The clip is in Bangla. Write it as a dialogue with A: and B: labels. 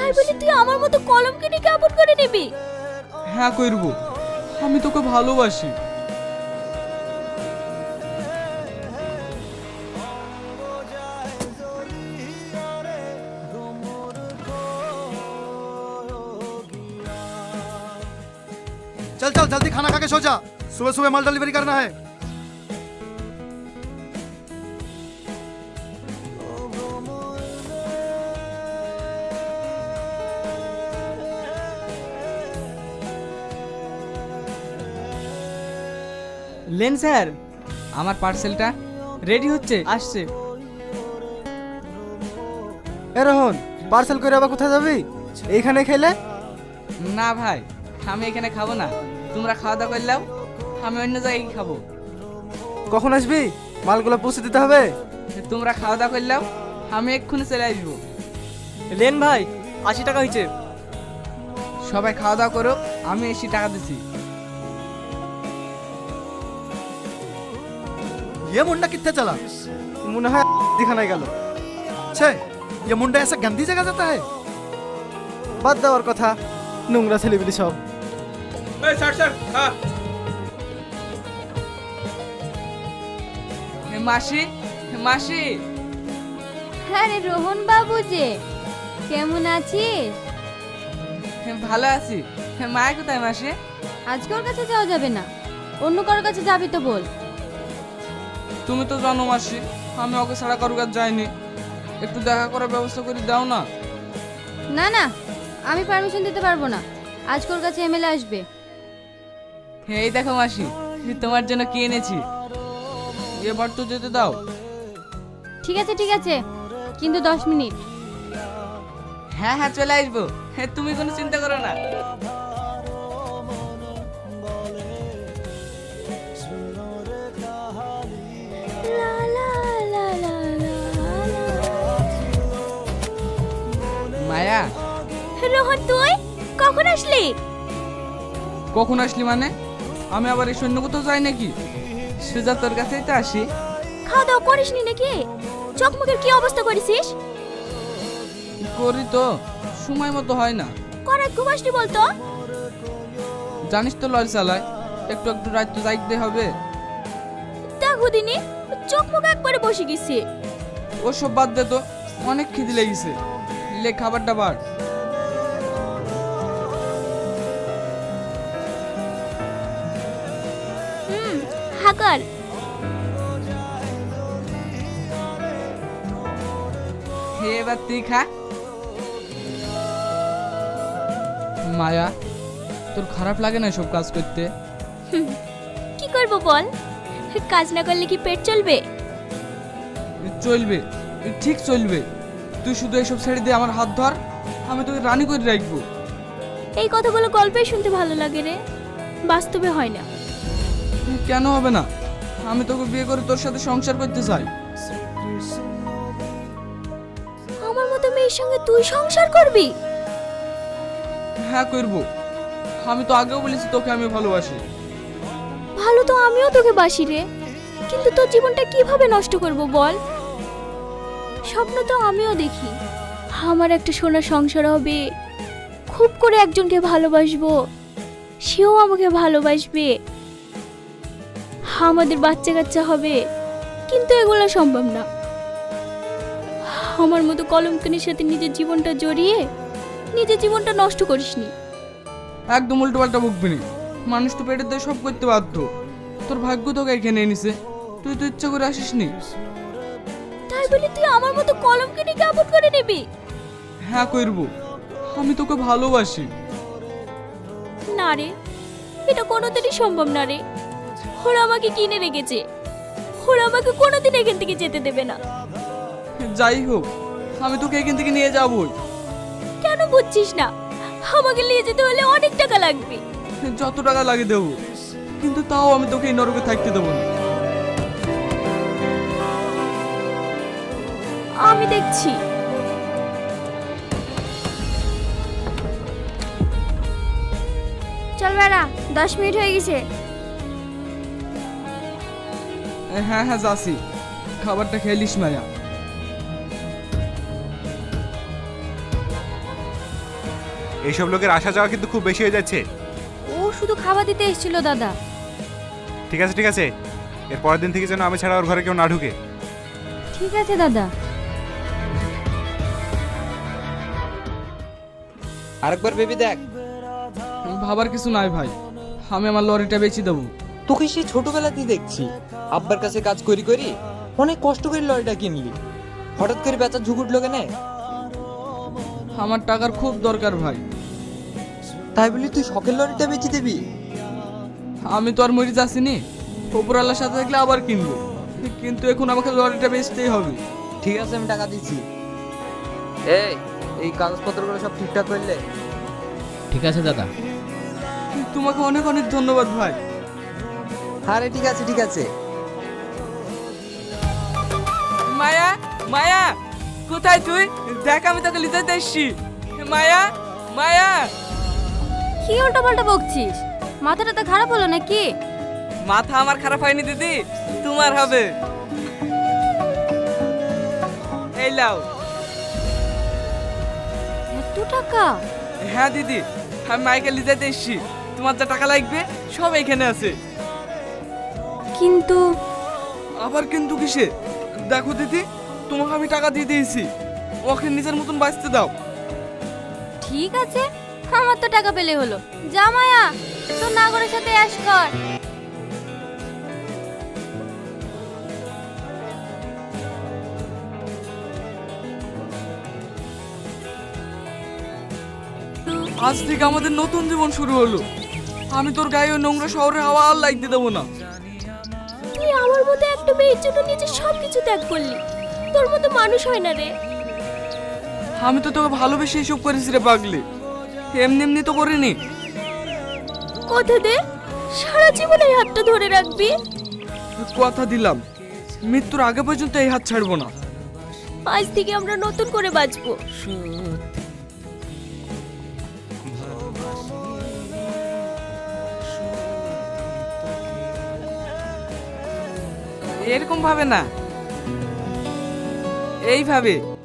A: তাই বলে তুই আমার মতো কলম কিনে কেমন করে নিবি?
B: হ্যাঁ করব, আমি তোকে ভালোবাসি।
C: चल चल जल्दी खाना खा के सो जा, सुबह सुबह माल डिलीवरी करना है।
B: লেন স্যার, আমার পার্সেলটা রেডি হচ্ছে, আসছে।
D: এ রোহন, পার্সেল করে আবার কোথায় যাবি? এইখানে খেলে?
B: না ভাই, আমি এখানে খাবো না। তোমরা খাওয়া দাওয়া করলাম, আমি অন্য জায়গায় খাবো।
D: কখন আসবি? মালগুলো পৌঁছে দিতে হবে।
B: তোমরা খাওয়া দাওয়া করলাম, আমি এক্ষুনি চলে আসবো।
D: লেন ভাই, 80 টাকা হয়েছে।
B: সবাই খাওয়া দাওয়া করো, আমি এসে টাকা দিচ্ছি।
C: ये मुंडा कितने चला?
D: মনে হয় দিখানায় গেল।
C: छे, ये मुंडा ऐसा गंदी जगह जाता है?
D: বাদ দেওয়ার কথা, নোংরা ছেলেবিলি সব।
B: মাসি, মাসি।
A: হ্যাঁ রে রোহন বাবু, যে কেমন আছিস?
B: ভালো আছি। মায়া কোথায় মাসি?
A: আজকে ওর কাছে যাওয়া যাবে না, অন্য কারোর কাছে যাবি তো বল।
B: তুমি তো জানো মাসি, আমি ওকে ছাড়া কারোর কাছে যাইনি। একটু দেখা করার ব্যবস্থা করে দাও না।
A: না না, আমি পারমিশন দিতে পারবো না। আজকে ওর কাছে এমএলএ আসবে।
B: এই দেখো মাসি, তোমার জন্য কি এনেছি। এবার তো যেতে দাও।
A: ঠিক আছে ঠিক আছে, কিন্তু 10 মিনিট।
B: হ্যাঁ হ্যাঁ, চলে আসবো। তুমি কোনো চিন্তা করো না। মায়া,
A: রোহন তুই কখন আসলি?
B: কখন আসলি মানে? আমি আবার এই সৈন্য কোথাও যাই নাকি? সুজা তোর কাছেই তো আসি।
A: খাওয়া দাওয়া করিসনি নাকি? চোখ মুখের কি অবস্থা করেছিস?
B: করি তো, সময় মতো হয় না।
A: করাত ঘুমাসনি বলতো।
B: জানিস তো লরি চালায়, একটু একটু রাত তো যাইতে হবে।
A: দেখো দিনি, চোখ মুখ একবারে বসে গেছে।
B: ওসব বাদ দে তো, অনেক খিদে লেগেছে। লে খাবারটা বার।
A: হাকার
B: হে, এবার তুই খা। মায়া, তোর খারাপ লাগে না সব কাজ করতে?
A: কি করব বল, কাজ না করলে কি পেট চলবে?
B: চলবে, ঠিক চলবে। তুই শুধু এসব ছেড়ে দিয়ে আমার হাত ধর, আমি তোকে রানী করে রাখবো।
A: এই কথাগুলো গল্পে শুনতে ভালো লাগে রে, বাস্তবে হয় না।
B: কেন হবে না? আমি তোকে বিয়ে করে তোর সাথে সংসার করতে চাই।
A: আমার মতো মেয়ের সঙ্গে তুই সংসার করবি?
B: হ্যাঁ করব। আমি তো আগেও বলেছি তোকে আমি ভালোবাসি।
A: ভালো তো আমিও তোকে বাসি রে, কিন্তু তোর জীবনটা কিভাবে নষ্ট করব বল? স্বপ্ন তো আমিও দেখি, আমার একটা সোনার সংসার হবে, খুব করে একজনকে ভালোবাসবো, সেও আমাকে ভালোবাসবে, আমাদের বাচ্চা কাচ্চা হবে। কিন্তু এগুলো সম্ভব না। আমার মতো কলঙ্কিনীর সাথে নিজের জীবনটা জড়িয়ে নিজের জীবনটা নষ্ট করিসনি।
B: একদম উল্টো পাল্টা বকবি না। মানুষ তো পেটের দিয়ে সব করতে বাধ্য। তোর ভাগ্য তোকে এখানে এনেছে, তুই তো ইচ্ছা করে আসিসনি।
A: তাই বলে তুই আমার মতো কলঙ্কিনী কেমন করে নিবি?
B: হ্যাঁ করব, আমি তোকে ভালোবাসি।
A: না রে, এটা কোনোদিনই সম্ভব না রে। ওরা আমাকে কিনে রেখেছে, ওরা আমাকে কোনোদিন এখান থেকে যেতে দেবে না।
B: যাই হোক, আমি তোকে এখান থেকে নিয়ে যাবই।
A: কেন বুঝছিস না? আমাকে নিয়ে যেতে হলে অনেক টাকা লাগবে।
B: যত টাকা লাগে দেবো, কিন্তু তাও আমি তোকে এই নরকে থাকতে দেবো না।
A: আমি দেখছি। চল বেড়া, 10 মিনিট হয়ে গেছে।
B: হ্যাঁ হ্যাঁ যাচ্ছি, খাবারটা খেলিস মায়া।
E: এইসব লোকের আসা যাওয়া কিন্তু খুব বেশি হয়ে যাচ্ছে।
A: ও শুধু খাবার দিতে এসেছিল দাদা।
E: ঠিক আছে ঠিক আছে, এর পরের দিন থেকে যেন আমি ছাড়া ওর ঘরে কেউ না ঢুকে।
A: ঠিক আছে দাদা।
F: আরেকবার ভেবে দেখ।
B: ভাবার কিছু নাই ভাই, আমি আমার লরিটা বেচে দেবো।
F: তোকে সেই ছোটবেলাতেই দেখছি আব্বার কাছে কাজ করি করি অনেক কষ্ট করে লরিটা কিনলি, হঠাৎ করে বেচার ঝুঁক উঠলো কেন?
B: আমার টাকার খুব দরকার ভাই।
F: তাই বলি তুই শখের লরিটা বেচে দিবি?
B: আমি তো আর মরে যাচ্ছিনি, ওপরওয়ালার সাথে থাকলে আবার কিনবো, কিন্তু এখন আমাকে লরিটা বেচতেই হবে।
F: ঠিক আছে, আমি টাকা দিচ্ছি। এই কাগজপত্রগুলো সব ঠিকঠাক করলে?
G: ঠিক আছে দাদা।
B: তোমাকে অনেক অনেক ধন্যবাদ ভাই।
F: আরে ঠিক আছে ঠিক আছে।
B: মায়া, মায়া কোথায় তুই? দেখ আমি তোকে লিতে এসছি। মায়া, মায়া।
A: কি উল্টো পাল্টা বকছিস? মাথাটা তো খারাপ হলো নাকি?
B: মাথা আমার খারাপ হয়নি দিদি, তোমার হবে। এই লাও।
A: এত টাকা?
B: হ্যাঁ দিদি, আমি মাইকে লিজাইতে এসছি, তোমার যা টাকা লাগবে সব এখানে আছে।
A: কিন্তু
B: আবার কিন্তু কিসে? দেখো দিদি, তোমাকে আমি টাকা দিয়ে দিয়েছি, ওকে নিজের মতন বাঁচতে দাও।
A: ঠিক আছে, আমার তো টাকা পেলে হলো। যা মায়া, তোর নাগরের সাথে অ্যাশ কর।
B: আজ থেকে আমাদের নতুন জীবন শুরু হলো। আমি তোর গায়ে ওই নোংরা শহরে হাওয়া আর লাগতে দেবো না।
A: তুই আমার মতো একটা মেয়ের জন্য নিজের সবকিছু ত্যাগ করলি। তোর মতো মানুষ হয় না রে।
B: আমি তো তোকে ভালোবেসে এসব করেছি রে পাগলি, এমনি এমনি তো করিনি।
A: কথা দে, সারা জীবন এই হাতটা ধরে রাখবি।
B: কথা দিলাম, মৃত্যুর আগে পর্যন্ত এই হাত ছাড়বো না।
A: আজ থেকে আমরা নতুন করে বাঁচবো।
B: এরকম ভাবে না, এইভাবে।